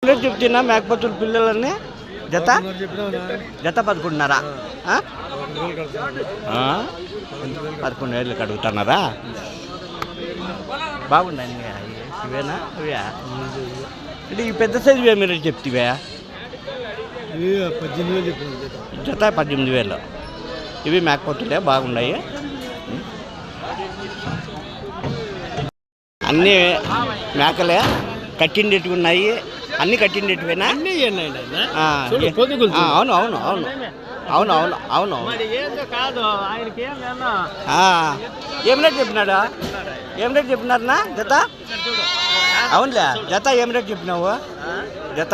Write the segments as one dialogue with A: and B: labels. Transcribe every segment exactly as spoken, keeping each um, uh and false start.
A: Rate చెప్తున్నా మేకపోతుల పిల్లలన్నీ జత జత పదకొండున్నరా పదకొండు వేలకు అడుగుతున్నారా? బాగున్నాయి ఇవేనా ఇవా అంటే ఈ పెద్ద సైజు ఇవే మీరు చెప్తివే
B: పద్దెనిమిది వేలు
A: జత పద్దెనిమిది వేలు ఇవి మేకపోతులే బాగున్నాయి. అన్నీ మేకలే కట్టిండేటివి ఉన్నాయి. అన్నీ కట్టిండేటివేనా? అవును అవును అవును అవును అవును అవును ఏం రేట్ చెప్పినాడా? ఏం రేట్ చెప్పినారనా జత? అవునులే జత ఏం రేట్ చెప్పినావు? జత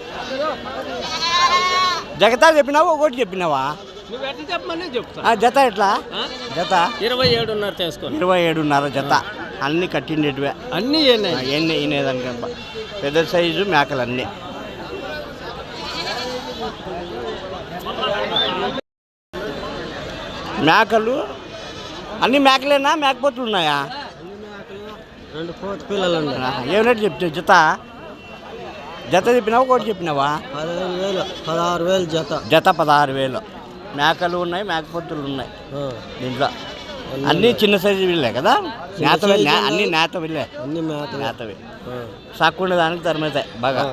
A: జగతా చెప్పినావు ఒకటి చెప్పినావా? జత ఎట్లా? జత
B: ఇరవై ఏడున్నర చేసుకోండి.
A: ఇరవై ఏడున్నర జత అన్నీ కట్టిండేటివే.
B: అన్నీ
A: ఎన్ని వినేదానికబ్బా పెద్ద సైజు మేకలు అన్నీ. మేకలు అన్ని మేకలేనా మేకపోతులు ఉన్నాయా?
B: రెండు కోత పిల్లలు
A: ఏమిటంటే చెప్తే జత జత చెప్పినావా ఒకటి చెప్పినావా?
B: పదిహేను వేలు పదహారు వేలు జత
A: జత పదహారు వేలు మేకలు ఉన్నాయి మేకపోతులు ఉన్నాయి దీంట్లో. అన్నీ చిన్న సైజు వీళ్ళే కదా? నేతవే అన్నీ నేత వీళ్ళే
B: అన్ని మేత
A: నేతవి సాక్కుండే దానికి తరమవుతాయి బాగా.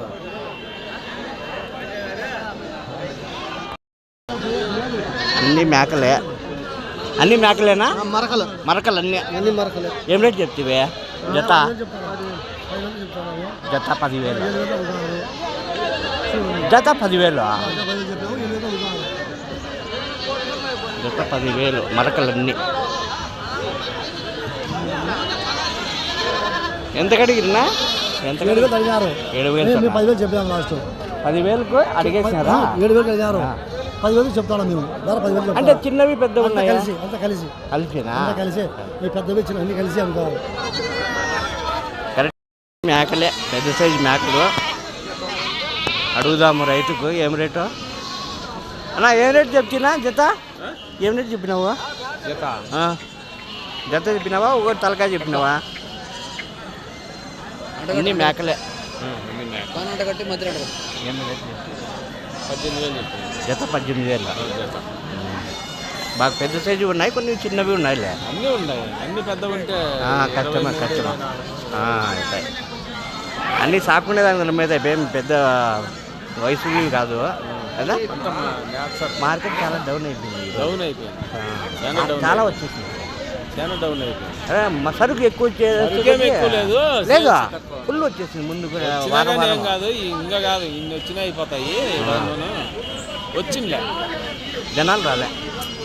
A: అన్నీ మేకలే అన్నీ మేకలేనా?
B: మరకలు
A: మరకలు అన్నీ
B: అన్ని మరకలు.
A: ఏం రేట్ చెప్తివే జత? జత పదివేలు జత పదివేలు జత పదివేలు మరకలన్నీ. ఎంత కడిగిరినా? ఎంత
B: ఏడు వేలు అడిగారు.
A: ఏడు వేలు
B: పదివేలు చెప్పాము లాస్ట్.
A: పదివేలకు అడిగేసినారా?
B: ఏడు వేలు అడిగారు. పదివేలు చెప్తాను మేము ధర పదివేలు
A: అంటే చిన్నవి పెద్దవి ఉన్నాయి
B: కలిసి అంత కలిసి
A: కలిసినా
B: కలిసి మీ పెద్దవి చిన్న అన్ని కలిసి అనుకోవాలి.
A: కరెక్ట్ మేకలే పెద్ద సైజు మేకలు అడుగుదాము రైతుకు. ఏం రేటు అన్నా? ఏం రేటు చెప్తున్నా జత? ఏం రేటు చెప్పినావు?
B: జత
A: జత చెప్పినావా ఒకటి తలకాయ చెప్పినావా? అన్ని మేకలే
B: కట్టి మధ్య పద్దెనిమిది వేలు
A: జత పద్దెనిమిది వేలు బాగా పెద్ద సైజు ఉన్నాయి, కొన్ని చిన్నవి ఉన్నాయిలే.
B: అన్నీ ఉన్నాయి. అన్ని పెద్దవి ఉంటే
A: కష్టమా కష్టమా అవుతాయి. అన్నీ సాకునే దాని మీద ఏం పెద్ద వయసు కాదు కదా? మార్కెట్ చాలా డౌన్ అయిపోయింది.
B: డౌన్ అయిపోయింది
A: చాలా వచ్చేసింది.
B: చాలా డౌన్ అయిపోయింది.
A: సరుకు ఎక్కువ
B: లేదు
A: లేదు ఫుల్ వచ్చేసింది. ముందు కూడా
B: ఏం కాదు ఇంకా కాదు ఇన్ని వచ్చినా అయిపోతాయి. వచ్చిందిలే
A: జనాలు రాలే.